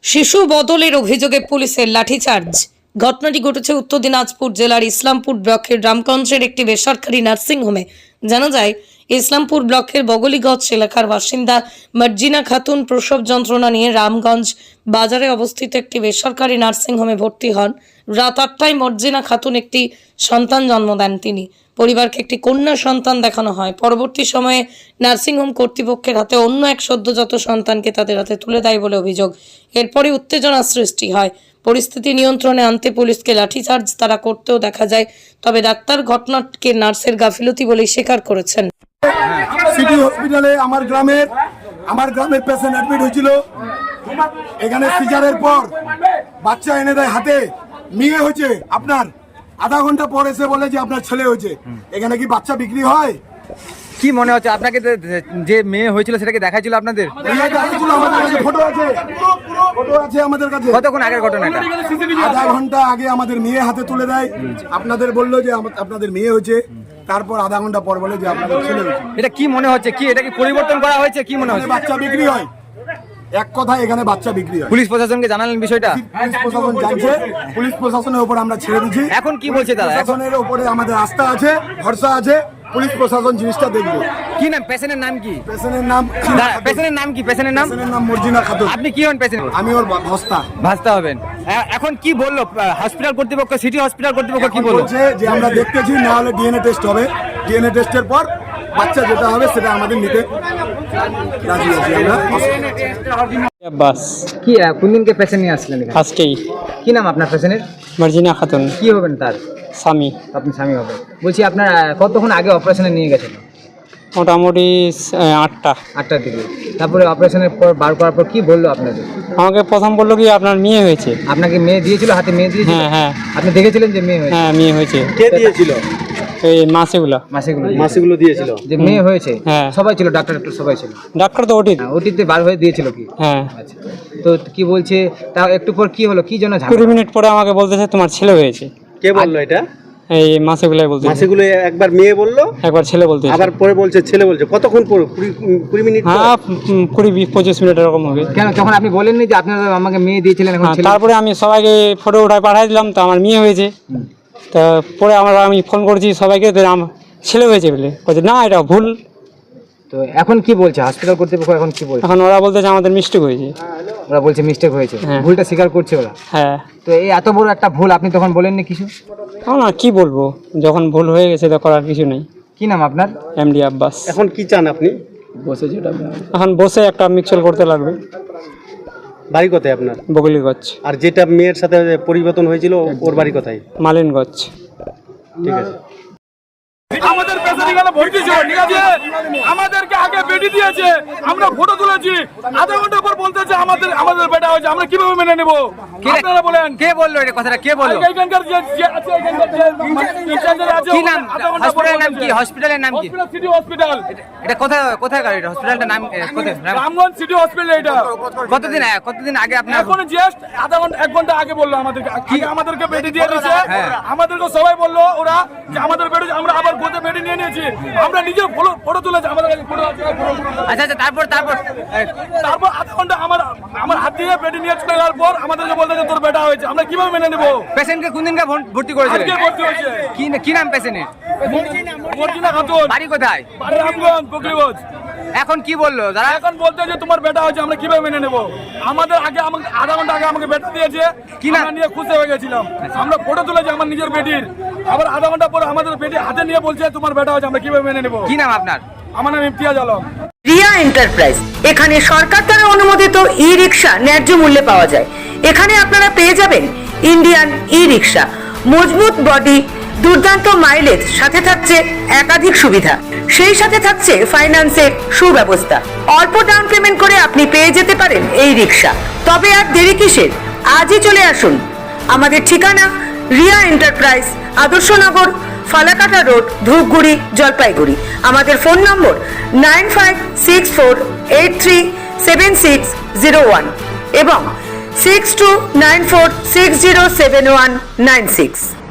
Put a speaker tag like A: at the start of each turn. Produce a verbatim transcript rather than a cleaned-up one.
A: শিশু বদলের অভিযোগে পুলিশের লাঠিচার্জ। ঘটনাটি ঘটেছে উত্তর দিনাজপুর জেলার ইসলামপুর ব্লকের রামগঞ্জের একটি বেসরকারি নার্সিংহোমে। জানা যায়, ইসলামপুর ব্লকের বগলিগঞ্জ এলাকার বাসিন্দা মার্জিনা খাতুন প্রসব যন্ত্রণা নিয়ে রামগঞ্জ বাজারে অবস্থিত একটি বেসরকারি নার্সিংহোমে ভর্তি হন। রাত আটটায় মার্জিনা খাতুন একটি সন্তান জন্ম দেন। তিনি পরিবারকে একটি কন্যা সন্তান দেখানো হয়। পরবর্তী সময়ে নার্সিংহোম কর্তৃপক্ষের হাতে অন্য এক সদ্যজাত সন্তানকে তাদের হাতে তুলে দেয় বলে অভিযোগ। এরপরে উত্তেজনা সৃষ্টি হয়। পরিস্থিতি নিয়ন্ত্রণে আনতে পুলিশকে লাঠিচার্জ তারা করতেও দেখা যায়। তবে ডাক্তার ঘটনাকে নার্সের গাফিলতি বলেই স্বীকার করেছেন।
B: সিটি হসপিটালে আমার গ্রামের আমার গ্রামের পেশেন্ট অ্যাডমিট হয়েছিল। এখানে সিজারের পর বাচ্চা এনে দেয় হাতে, মেয়ে হয়েছে। আপনার আধা ঘন্টা পর এসে বলে যে আপনার ছেলে হয়েছে। এখানে কি বাচ্চা বিক্রি হয়?
C: কি মনে হচ্ছে আপনাকে যে মেয়ে হয়েছিল সেটাকে দেখাইছিল আপনাদের?
B: ফটো আছে, ফটো আছে আমাদের কাছে।
C: কতক্ষণ আগের ঘটনা এটা?
B: আধা ঘন্টা আগে আমাদের মেয়ে হাতে তুলে দেয়। আপনাদের বললো যে আপনাদের মেয়ে হয়েছে, তারপর আধা ঘন্টা পর বলে যে আপনাদের ছেলে হয়েছে।
C: এটা কি মনে হচ্ছে? কি এটা কি পরিবর্তন করা হয়েছে? কি মনে হচ্ছে?
B: বাচ্চা বিক্রি হয়, এক কথা এখানে বাচ্চা বিক্রি হয়।
C: পুলিশ প্রশাসনকে জানালেন বিষয়টা?
B: পুলিশ প্রশাসন জানছে, পুলিশ প্রশাসনের উপর আমরা ছেড়ে দিচ্ছি।
C: এখন কি বলছে তারা?
B: প্রশাসনের উপরে আমাদের আস্থা আছে, ভরসা আছে। পুলিশ প্রশাসন জিনিসটা দেখবে।
C: কি নাম পেশেন্টের নাম? কি
B: পেশেন্টের নাম?
C: পেশেন্টের নাম কি? পেশেন্টের নাম?
B: পেশেন্টের নাম মর্জিনা খাতুন।
C: আপনি কি হন পেশেন্ট?
B: আমি ওর ভাস্তা।
C: ভাস্তা হবেন। এ- এখন কি বললো হসপিটাল কর্তৃপক্ষ, সিটি হসপিটাল কর্তৃপক্ষ কি বললো?
B: বলছে যে আমরা দেখতেছি, না হলে ডিএনএ টেস্ট হবে। ডিএনএ টেস্টের পর বাচ্চা যেটা হবে সেটা আমাদের নিতে রাজি আছি আমরা।
D: বাস
C: কি কোন দিনকে পেশেন্ট নিয়ে আসলেন এখানে?
D: আজকেই
C: কি নাম আপনার পেশেন্টের?
D: মার্জিনা খাতুন,
C: কি হবেন তার?
D: স্বামী।
C: আপনি স্বামী হবেন। বলছি আপনার আহ, কতক্ষণ আগে অপারেশনে নিয়ে গেছেন?
D: মোটামুটি আহ, আটটা।
C: আটটার দিকে। তারপরে অপারেশনের পর বার করার পর কি বললো আপনাদের?
D: আমাকে প্রথম বললো কি আপনার মেয়ে হয়েছে।
C: আপনাকে মেয়ে দিয়েছিল, হাতে মেয়ে দিয়েছিল?
D: হ্যাঁ হ্যাঁ
C: আপনি দেখেছিলেন যে মেয়ে হয়েছে?
D: হ্যাঁ মেয়ে হয়েছে।
C: কে দিয়েছিল?
D: এই মাসেগুলা
C: মাসেগুলো
E: মাসিগুলো দিয়েছিল
C: যে মেয়ে হয়েছে?
D: হ্যাঁ।
C: সবাই ছিল, ডাক্তার ডাক্তার সবাই ছিল?
D: ডাক্তার তো ওটি।
C: ওটিতে বার হয়ে দিয়েছিল কি?
D: হ্যাঁ
C: আচ্ছা, তো কি বলছে তা একটু পর কি হলো, কি জন্য ঝামেলা?
D: কুড়ি মিনিট পরে আমাকে বলতেছে তোমার ছেলে হয়েছে।
E: কে বললো এটা?
D: এই মাসেগুলাই বলতে।
E: মাসিগুলো একবার মেয়ে বললো,
D: একবার ছেলে বলতে,
E: আবার পরে বলছে ছেলে বলছে। কতক্ষণ পর? কুড়ি কুড়ি মিনিট পর?
D: হ্যাঁ উম, কুড়ি বিশ পঁচিশ মিনিট এরকম হবে।
C: কেন তখন আপনি বলেননি যে আপনারা আমাকে মেয়ে দিয়েছিলেন, এখন
D: হ্যাঁ,
C: ছেলে?
D: তারপরে আমি সবাইকে ফটো উঠায় পাঠাই দিলাম, তো আমার মেয়ে হয়েছে। তা পরে আমরা আমি ফোন করছি সবাইকে, তো আমার ছেলে হয়েছে বলে বলছে না এটা ভুল।
C: তো এখন কি বলছে হসপিটাল কর্তৃপক্ষ? এখন কি বলছে?
D: এখন ওরা বলতেছে আমাদের মিস্টেক হয়েছে।
C: ওরা বলছে মিস্টেক হয়েছে,
D: হ্যাঁ।
C: ভুলটা স্বীকার করছে ওরা।
D: হ্যাঁ
C: তো এই এত বড় একটা ভুল আপনি তখন বলেননি কিছু?
D: এখন আর কি বলবো, যখন ভুল হয়ে গেছে তো করার কিছু নেই।
C: কি নাম আপনার?
D: এমডি আব্বাস।
E: এখন কি চান আপনি?
D: এখন বসে একটা মিক্সচার করতে লাগবে।
E: বাড়ি কোথায় আপনার?
D: বগলিগঞ্জ।
E: আর যেটা মেয়ের সাথে পরিবর্তন হয়েছিল ওর বাড়ি কোথায়?
D: মালিনগঞ্জ।
E: ঠিক আছে।
F: আমাদের পেশেন্ট এখানে ভর্তি ছিল, ঠিক আছে? আমাদেরকে আগে বেডি দিয়েছে, আমরা ফটো তুলেছি। আধা ঘন্টা পর বলতেছে আমাদের আমাদের বেটা হয়েছে। আমরা কিভাবে মেনে নেব? আপনারা বলেন।
C: কে বললো এটা কথাটা? কে বললো?
F: এইখানকার যে যে আছে, এখানকার যে ইনচার্জের আছে,
C: কি নাম?
F: আধা ঘন্টা পর
C: হসপিটালের নাম কি?
F: বলেছে।
C: হসপিটালের নাম কি?
F: Hospital city hospital.
C: এটা কোথায় কোথায় গাড়ি? এটা হসপিটালটার নাম এ, কোথায়? নাম-
F: রামগঞ্জ সিটি হসপিটাল এটা।
C: কতদিন আগে- কতদিন আগে আপনার?
F: এখন জাস্ট আধা ঘন্টা এক ঘন্টা আগে বললো আমাদেরকে। আগে আমাদেরকে বেডি দিয়ে দিয়েছে।
C: হ্যাঁ।
F: আমাদেরকে সবাই বললো ওরা যে আমাদের বেডি, আমরা আবার গোতে বেডি নিয়ে নিয়েছি। আমরা নিজে ফটো ফটো তুলেছি, আমাদের কাছে ফটো আছে। photo, photo।
C: আচ্ছা আচ্ছা, তারপর তারপর এ,
F: তারপর আধা ঘন্টা আমার আমার হাত দিয়ে বেডি নিয়ে চলে যাওয়ার পর আমাদেরকে বলতে যে তোর বেটা হয়েছে। আমরা কিভাবে মেনে নেবো?
C: পেশেন্টকে কোন দিনকে ভর- ভর্তি করেছিলেন?
F: আজকে ভর্তি হয়েছে
C: কি কি নাম পেশেন্টের?
F: মর্জিনা খাতুন,
C: বাড়ি কোথায়?
F: বাড়ি রামগঞ্জ, বকরিগঞ্জ।
C: এখন কি বললো তারা?
F: এখন বলতে যে তোমার বেটা হয়েছে, আমরা কিভাবে মেনে নেবো? আমাদের আগে আমাকে আধা ঘন্টা আগে আমাকে বেটা দিয়েছে,
C: কি নাম?
F: আমরা নিয়ে খুশি হয়ে গেছিলাম। আমরা ফটো তুলেছি আমার নিজের বেটির। আবার আধা ঘন্টা পরে আমাদের বেটি হাতে নিয়ে বলছে তোমার বেটা হয়েছে, আমরা কিভাবে মেনে নেবো?
C: কি নাম আপনার?
F: আমার নাম ইমতিয়াজ আলম।
G: রিয়া এন্টারপ্রাইজ, এখানে সরকার দ্বারা অনুমোদিত ই রিক্সা ন্যায্য মূল্যে পাওয়া যায়। এখানে আপনারা পেয়ে যাবেন ইন্ডিয়ান ই রিক্সা, মজবুত বডি, দুর্দান্ত মাইলেজ, সাথে থাকছে একাধিক সুবিধা। সেই সাথে থাকছে ফাইন্যান্সের সুব্যবস্থা। অল্প ডাউন পেমেন্ট করে আপনি পেয়ে যেতে পারেন এই রিক্সা। তবে আর দেরি কিসের? আজই চলে আসুন। আমাদের ঠিকানা রিয়া এন্টারপ্রাইজ, আদর্শনগর, ফালাকাটা রোড, ধূপগুড়ি, জলপাইগুড়ি। আমাদের phone number nine five six four eight three seven six zero one এবং six two nine four six zero seven one nine six.